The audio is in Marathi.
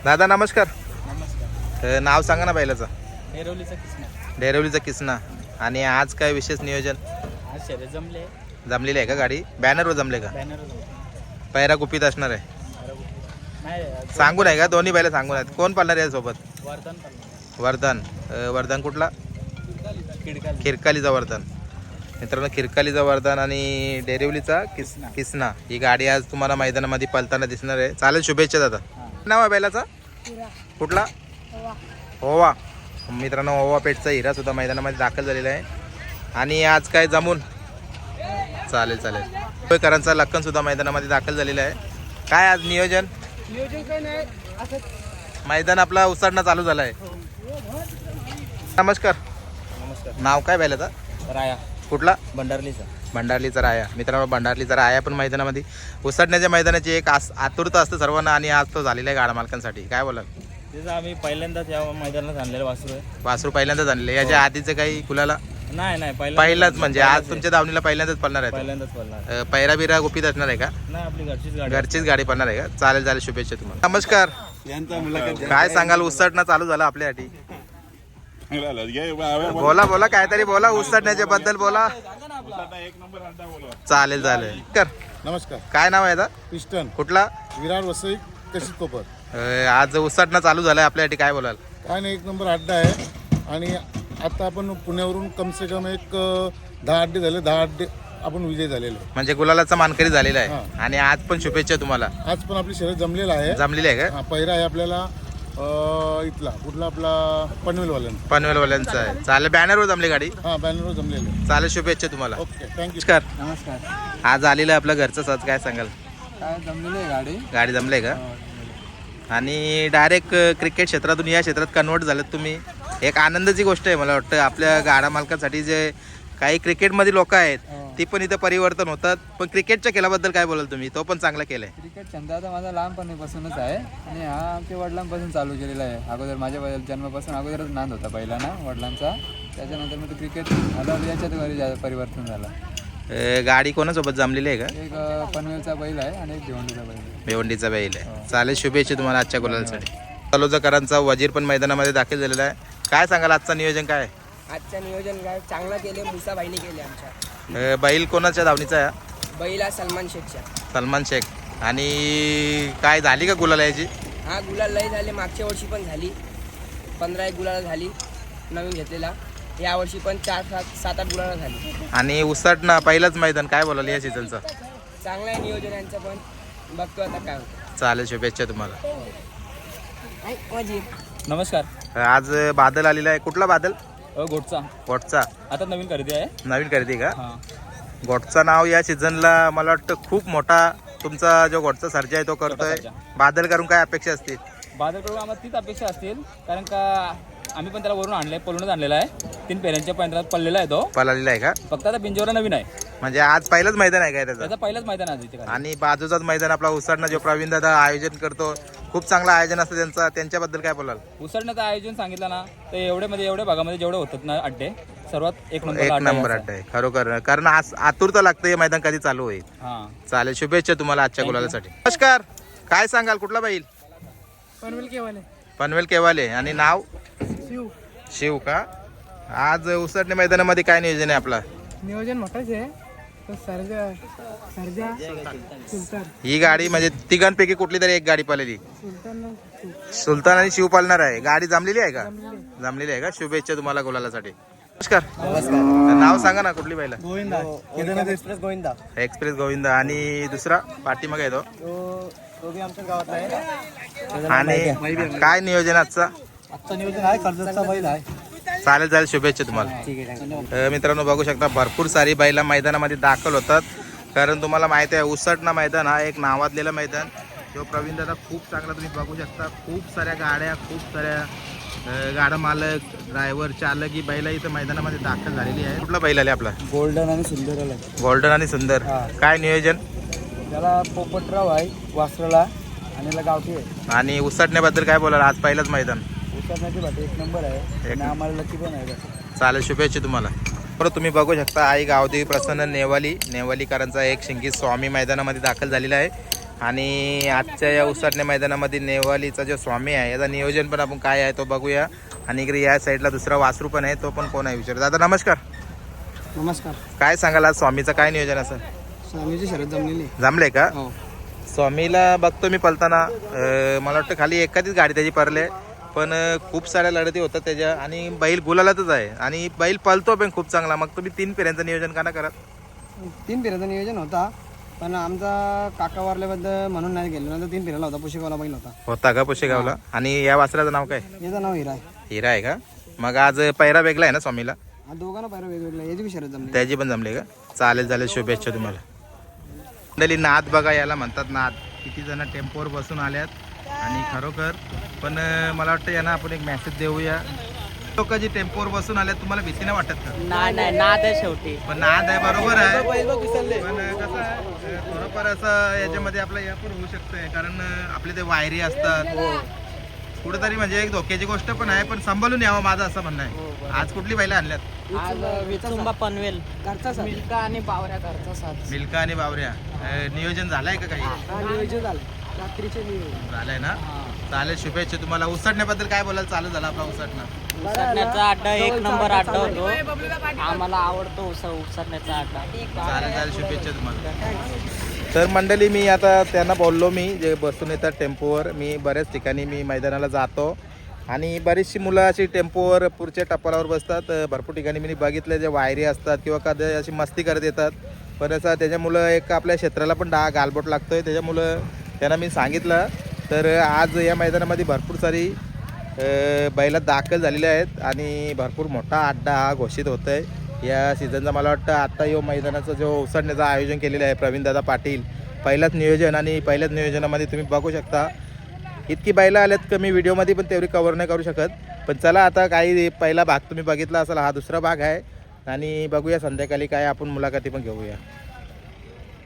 दादा नमस्कार. नमस्कार. नाव सांगा ना बैलाचं. डेरवलीचा किस्मा. डेरवलीचा किसना. आणि आज काय विशेष नियोजन आज शर्यत जमले. जमलेली आहे का गाडी? बॅनरवर जमले का? बॅनर पैरा गुपित असणार आहे. नाही सांगून आहे का? दोन्ही बैल सांगून आहेत. कोण पाळणार आहे सोबत? वर्धन वर्धन. वर्धन कुठला? किडकाली. खिरकालीचा वर्धन. मित्रांनो खिरकालीचा वर्धन आणि डेरिवलीचा किसना ही गाडी आज तुम्हाला मैदानामध्ये पळताना दिसणार आहे. चालेल, शुभेच्छा दादा. नाव आहे बैलाचा? कुठला? ओवा. मित्रांनो ओवा पेठचा हिरा सुद्धा मैदानामध्ये दाखल झालेला आहे. आणि आज काय जमून चालेल मुंबईकरांचा लक्कन सुद्धा मैदानामध्ये दाखल झालेला आहे. काय आज नियोजन काय नाही असं. मैदान आपला उसाडणं चालू झाला आहे. नमस्कार. नमस्कार. नाव काय बैलाचा? राया. कुठला? भंडारलीचा. भंडारलीचा राया. मित्रांनो भंडारलीचा राया पण मैदानामध्ये उसडण्याच्या मैदानाची एक आतुरता असतं सर्वांना आणि आज तो झालेला आहे गाडा मालकांसाठी. काय बोलाल? तेच आम्ही पहिल्यांदाच या मैदानात आणलेलं वासरू आहे. वासरू पहिल्यांदाच आणले. याच्या आधीचं काही कुलाला? नाही पहिलाच म्हणजे आज तुमच्या दावणीला पहिल्यांदाच पडणार आहे. पहिल्यांदाच पडणार. पैरा बिरा गुपित असणार आहे का? नाही, आपली घरचीच घरचीच गाडी पडणार आहे का? चालेल, शुभेच्छा तुम्हाला. नमस्कार. काय सांगाल? उसडणं चालू झालं आपल्यासाठी. बोला काहीतरी बोला उसडण्याच्या बद्दल बोला. चालेल कर. नमस्कार. काय नाव आहे? पिस्टन. कुठला? विरार वसई कशी कोपर. आज उसडणं चालू झालंय आपल्यासाठी. काय बोलाल? काय नाही, एक नंबर अड्डा आहे. आणि आता आपण पुण्यावरून कम से कम एक 10 अड्डे झाले. 10 अड्डे आपण विजय झालेलो आहे. म्हणजे गुलालाचा मानकरी झालेला आहे. हा. आणि आज पण शुभेच्छा तुम्हाला. आज पण आपली शर्यत जमलेला आहे. जमलेली आहे का? हा, पहिरा आहे आपल्याला इथला कुठला आपला पनवेलवाल्यांचा. पनवेलवाल्यांचा आहे. चालेल, बॅनरवर जमली गाडी. हा, बॅनरवर जमलेलं आहे. चालेल, शुभेच्छा तुम्हाला. Okay, thank you. नमस्कार. नमस्कार. आज आलेलं आहे आपलं घरचं साज. काय सांगाल? काय जमलेली आहे गाडी. गाडी जमले का? आणि डायरेक्ट क्रिकेट क्षेत्रातून या क्षेत्रात कन्वर्ट झालं तुम्ही. एक आनंदाची गोष्ट आहे मला वाटतं आपल्या गाडा मालकांसाठी. जे काही क्रिकेटमध्ये लोक आहेत ती पण इथं परिवर्तन होतात. पण क्रिकेटच्या खेळाबद्दल काय बोलाल तुम्ही? तो पण चांगला केलाय. क्रिकेट छंद आता माझा लहानपणीपासूनच आहे आणि हा आमच्या वडिलांपासून चालू केलेला आहे. अगोदर माझ्या जन्मापासून अगोदरच नांद होता पहिला ना वडिलांचा. त्याच्यानंतर मग क्रिकेट आलं, याच्यात घरी परिवर्तन झालं. गाडी कोणासोबत जमलेली आहे का? एक पनवेलचा बैल आहे आणि एक भिवंडीचा बैल आहे. भिवंडीचा बैल आहे. चालेल, शुभेच्छा तुम्हाला आजच्या गुलालासाठी. तलोजाकरांचा वजीर पण मैदानामध्ये दाखल झालेला आहे. काय सांगाल आजचं नियोजन काय? आजचं नियोजन काय चांगलं केले. मुसाबाईने केले आमच्या. बैल कोणाच्या धावणीचा आहे? बैला सलमान शेखच्या. सलमान शेख. आणि काय झाली का गुलाला याची? हा, गुलाल लय झाले. मागच्या वर्षी पण झाली. 15-1 गुलाल झाली नवीन घेतलेला. या वर्षी पण 4-7-8 गुलाल झाली. आणि उसटणं पहिलंच मैदान. काय बोलाल या सीझनचं? चांगलं आहे नियोजन यांचं पण. बघतो आता काय होतं. चालेल, शुभेच्छा तुम्हाला. माझी नमस्कार. आज बादल आलेला आहे. कुठला बादल? गोटचा. गोटचा. आता नवीन खरेदी आहे. नवीन खरेदी का? हा. गोटचा नाव या सीझनला मला वाटतं खूप मोठा तुमचा जो गोटचा सर्जा आहे तो करतोय. सर्जा. बादल करून काय अपेक्षा असतील? बाजारकडून आम्हाला तीच अपेक्षा असतील, कारण का आम्ही पण त्याला वरून आणले, पळूनच आणलेला आहे. 3 पेऱ्यांच्या पैंजणात पडलेला आहे तो. पळालेला आहे का? फक्त आता पिंजोरा नवीन आहे. म्हणजे आज पहिलंच मैदान आहे काय त्याचं? त्याचं पहिलंच मैदान आहे तिथे. आणि बाजूचाच मैदान आपला उसडणं जो प्रवीण दादा आयोजन करतो, खूप चांगलं आयोजन असतं त्यांचं. त्यांच्याबद्दल काय बोलाल? उसडण्याचं आयोजन सांगितलं ना तर एवढ्या भागामध्ये जेवढे होतात ना अड्डे, सर्वात एक एक नंबर अड्डा आहे खरोखर. कारण आज आतुरता लागतं हे मैदान कधी चालू होईल. हा. चालेल, शुभेच्छा तुम्हाला आजच्या गुलालासाठी. नमस्कार. काय सांगाल? कुठला बैल? पनवेल केवाले. पनवेल केवाले. आणि नाव? शिव का? आज उसडणे मैदानामध्ये काय नियोजन आहे आपला? नियोजन मोठंच आहे. सरजा सुलतान. ही गाडी म्हणजे तिघांपैकी कुठली तरी एक गाडी पळालेली. सुलतान आणि शिव पालणार आहे. गाडी जमलेली आहे का? जमलेली आहे का? शुभेच्छा तुम्हाला गुलालासाठी. नमस्कार. नाव सांगा ना, कुठली बैल? गोविंदा. एक्सप्रेस गोविंदा. एक्सप्रेस गोविंदा. आणि दुसरा पाठीमागे येतो तो बी आमच्या गावात आहे. आणि काय नियोजन आजचा? आजचं नियोजन आहे कर्जतचा बैल आहे. चालेल, शुभेच्छा तुम्हाला. मित्रांनो बघू शकता भरपूर सारी बैला मैदानामध्ये दाखल होतात. कारण तुम्हाला माहिती आहे उसटणं मैदान हा एक नावाजलेलं मैदान. जो प्रवीण दादा खूप चांगला तुम्ही बघू शकता. खूप साऱ्या गाड्या, खूप साऱ्या गाडा मालक, ड्रायव्हर, चालक ही बैला इथं मैदानामध्ये दाखल झालेली आहे. कुठला बैल आले आपला? गोल्डन आणि सुंदर आला. गोल्डन आणि सुंदर. काय नियोजन? त्याला पोपटराव आहे वासराला आणि याला गावठी आहे. आणि उसटण्याबद्दल काय बोलाल? आज पहिलंच मैदान. उतरण्याची भाटी एक नंबर आहे आणि आम्हाला लकी पण आहे. चालेल, शुभेच्छा तुम्हाला. परत तुम्ही बघू शकता आई गावदेवी प्रसन्न नेवालीकरांचा एक शिंगी स्वामी मैदानामध्ये दाखल झालेला आहे. आणि आजच्या या उसाटणे मैदानामध्ये नेवालीचा जो स्वामी आहे याचा नियोजन पण आपण काय आहे तो बघूया. आणि इकडे या साईडला दुसरा वासरू पण आहे, तो पण कोण आहे विचार. दादा नमस्कार. नमस्कार. काय सांगाल आज स्वामीचं काय नियोजन असं स्वामीची शरद जमलेली. जमले का? हो. स्वामीला बघतो मी पलताना, मला वाटतं खाली एखादीच गाडी त्याची परले, पण खूप साऱ्या लढती होतात त्याच्या आणि बैल गुलालातच आहे आणि बैल पलतो पण खूप चांगला. मग तुम्ही 3 फेऱ्यांचं नियोजन का नाही करत? 3 फेऱ्याचं नियोजन होता, पण आमचा काका वारल्याबद्दल म्हणून नाही गेलो, नंतर 3 फेऱ्याला होता. पुशेगावला बैल होता का पुशेगावला? आणि या वासराचं नाव काय? याचं नाव हिरा आहे. हिरा आहे का? मग आज पैरा वेगळा आहे ना स्वामीला? हा दोघांना पायरा वेगवेगळा. याची बी शरद जमली. त्याची पण जमले का? चालेल चालेल, शुभेच्छा तुम्हाला. मंडळी नाद बघा याला म्हणतात, नाद. किती जण टेम्पोवर बसून आल्यात आणि खरोखर पण मला वाटतं यांना आपण एक मेसेज देऊया. लोक जी टेम्पोवर बसून आल्यात तुम्हाला भीती नाही वाटत का? नाही नाद आहे शेवटी. पण नाद आहे, बरोबर आहे, पण कसं आहे थोडंफार असं याच्यामध्ये आपलं हे पण होऊ शकतंय, कारण आपले ते वायरी असतात कुठेतरी, म्हणजे एक धोक्याची गोष्ट पण आहे. पण सांभाळून यावं माझं असं म्हणणं आहे. आज कुठली बैलं आणल्यात? आज विचुंबा पनवेल घरचा साथ. मिल्का आणि बावऱ्या घरचा साथ. मिल्का आणि बावऱ्या. नियोजन झालंय का काही? नियोजन झालं, रात्रीचे नियोजन झालंय ना? चालेल, शुभेच्छा तुम्हाला. उसटण्याबद्दल काय बोलायला चालू झाला आपला उसटणं? उसरण्याचा अड्डा 1 नंबर अड्डा होतो. आम्हाला आवडतो उसरण्याचा अड्डा. चालेल चालेल, शुभेच्छा तुम्हाला. तर मंडळी मी आता त्यांना बोललो, मी जे बसून येतात टेम्पोवर, मी बऱ्याच ठिकाणी मी मैदानाला जातो आणि बरीचशी मुलं अशी टेम्पोवर पुढच्या टप्प्यावर बसतात. भरपूर ठिकाणी मी बघितलं जे वायरी असतात किंवा कधी अशी मस्ती करत येतात, पण असं त्याच्यामुळं एक आपल्या क्षेत्राला पण गालबोट लागतोय. त्याच्यामुळं त्यांना मी सांगितलं. तर आज या मैदानामध्ये भरपूर सारी बैला दाखल झालेले आहेत आणि भरपूर मोठा अड्डा हा घोषित होत आहे या सीझनचा. मला वाटतं आत्ता यो मैदानाचं जो उसडण्याचं आयोजन केलेलं आहे प्रवीणदादा पाटील, पहिलंच नियोजन आणि पहिल्याच नियोजनामध्ये तुम्ही बघू शकता इतकी बैलं आल्यात का मी व्हिडिओमध्ये पण तेवढी कव्हर नाही करू शकत. पण चला आता काही पहिला भाग तुम्ही बघितला असाल, हा दुसरा भाग आहे आणि बघूया संध्याकाळी काय आपण मुलाखती पण घेऊया.